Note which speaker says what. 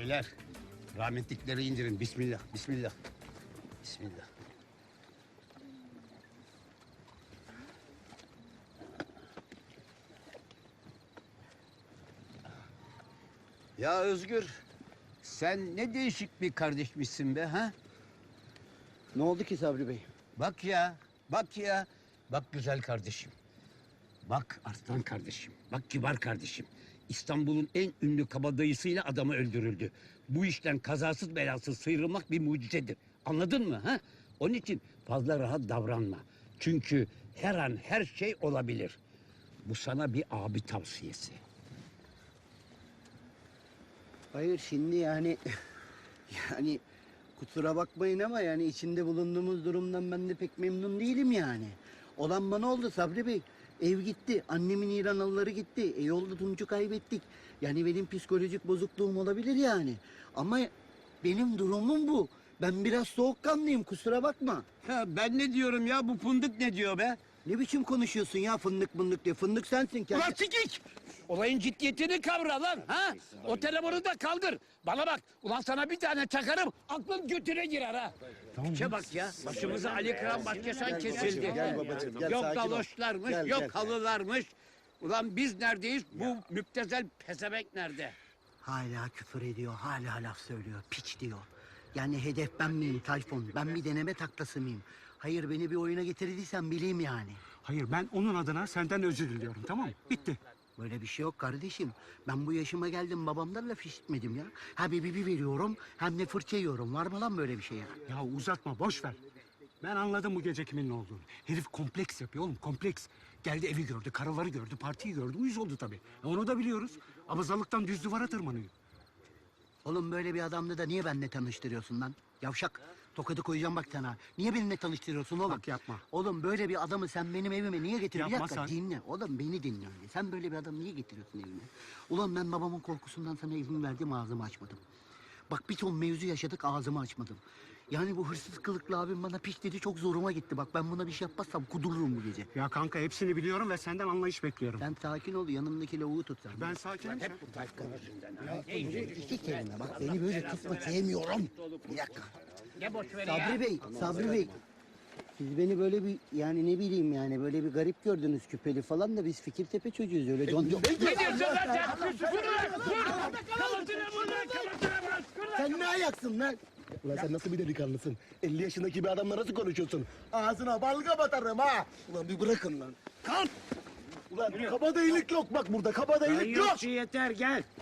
Speaker 1: Beyler, rahmetlikleri indirin. Bismillah, bismillah. Bismillah. Ya Özgür, sen ne değişik bir kardeşmişsin be ha?
Speaker 2: Ne oldu ki Sabri Bey?
Speaker 1: Bak ya, bak ya. Bak güzel kardeşim. Bak Arslan kardeşim. Bak kibar kardeşim. İstanbul'un en ünlü kabadayısıyla adamı öldürüldü. Bu işten kazasız belasız sıyrılmak bir mucizedir. Anladın mı ha? Onun için fazla rahat davranma. Çünkü her an her şey olabilir. Bu sana bir abi tavsiyesi.
Speaker 2: Hayır şimdi yani yani kusura bakmayın ama yani içinde bulunduğumuz durumdan ben de pek memnun değilim yani. Olan bana oldu Sabri Bey. Ev gitti, annemin İranalıları gitti. Yolda Tunç'u kaybettik. Yani benim psikolojik bozukluğum olabilir yani. Ama benim durumum bu. Ben biraz soğukkanlıyım kusura bakma.
Speaker 1: Ha, ben ne diyorum ya, bu fındık ne diyor be?
Speaker 2: Ne biçim konuşuyorsun ya fındık mındık diye. Fındık sensin kendi.
Speaker 1: Ulan sikik! Olayın ciddiyetini kavra lan ha! O telefonu da kaldır. Bana bak, ulan sana bir tane çakarım, aklın götüne girer ha! Tamam, bak ya, başımıza Ali Kıran Başkesan kesildi.
Speaker 2: Gel babacığım, gel,
Speaker 1: Yok
Speaker 2: sakin ol.
Speaker 1: galoşlarmış,
Speaker 2: Gel,
Speaker 1: yok
Speaker 2: gel.
Speaker 1: halılarmış. Ulan biz neredeyiz, bu müptezel pezevenk nerede?
Speaker 2: Hala küfür ediyor, hala laf söylüyor, piç diyor. Yani hedef ben miyim Tayfun? Ben bir deneme taklası mıyım? Hayır beni bir oyuna getirdiysen bileyim yani.
Speaker 3: Hayır, ben onun adına senden özür diliyorum, tamam mı? Bitti.
Speaker 2: Böyle bir şey yok kardeşim. Ben bu yaşıma geldim babamdan laf işitmedim ya. Ha bir veriyorum hem de fırça yiyorum. Var mı lan böyle bir şey ya?
Speaker 3: Ya uzatma, boş ver. Ben anladım bu gece kimin ne olduğunu. Herif kompleks yapıyor oğlum, kompleks. Geldi evi gördü, karıları gördü, partiyi gördü. Uyuz oldu tabii. Onu da biliyoruz. Abazalıktan düz duvara tırmanıyor.
Speaker 2: Oğlum böyle bir adamla da niye benimle tanıştırıyorsun lan? Yavşak. Tokadı koyacağım bak sana. Niye benimle tanıştırıyorsun oğlum?
Speaker 3: Bak yapma.
Speaker 2: Oğlum böyle bir adamı sen benim evime niye getiriyorsun?
Speaker 3: Yapma
Speaker 2: Bir dakika
Speaker 3: sen.
Speaker 2: dinle. Oğlum beni dinle önce. Sen böyle bir adamı niye getiriyorsun evime? Ulan ben babamın korkusundan sana izin verdim ağzımı açmadım. Bak bir ton mevzu yaşadık ağzımı açmadım. Yani bu hırsız kılıklı abim bana piç dedi çok zoruma gitti. Bak ben buna bir şey yapmazsam kudururum bu gece.
Speaker 3: Ya kanka hepsini biliyorum ve senden anlayış bekliyorum.
Speaker 2: Sen sakin ol yanımdaki lavuğu tut sen.
Speaker 3: Ben sakinim.
Speaker 1: Hep bu Tayfun yüzünden ha.
Speaker 2: İki kelime bak beni böyle tutma sevmiyorum. Bir dakika.
Speaker 1: Ne boş ver ya.
Speaker 2: Sabri Bey. Siz beni böyle bir yani ne bileyim yani böyle bir garip gördünüz küpeli falan da biz Fikirtepe çocuğuyuz öyle John.
Speaker 1: Ne diyorsun lan sen? Vur lan! Vur! Kalıtına vur lan! Kalıtına vur!
Speaker 2: Sen ne ayaksın lan?
Speaker 4: Ulan sen nasıl bir delikanlısın? 50 yaşındaki bir adamla nasıl konuşuyorsun? Ağzına balga batarım ha! Ulan bir bırakın lan.
Speaker 2: Kalk!
Speaker 4: Ulan kabadayılık yok bak burada, kabadayılık yok!
Speaker 3: Yeter, gel.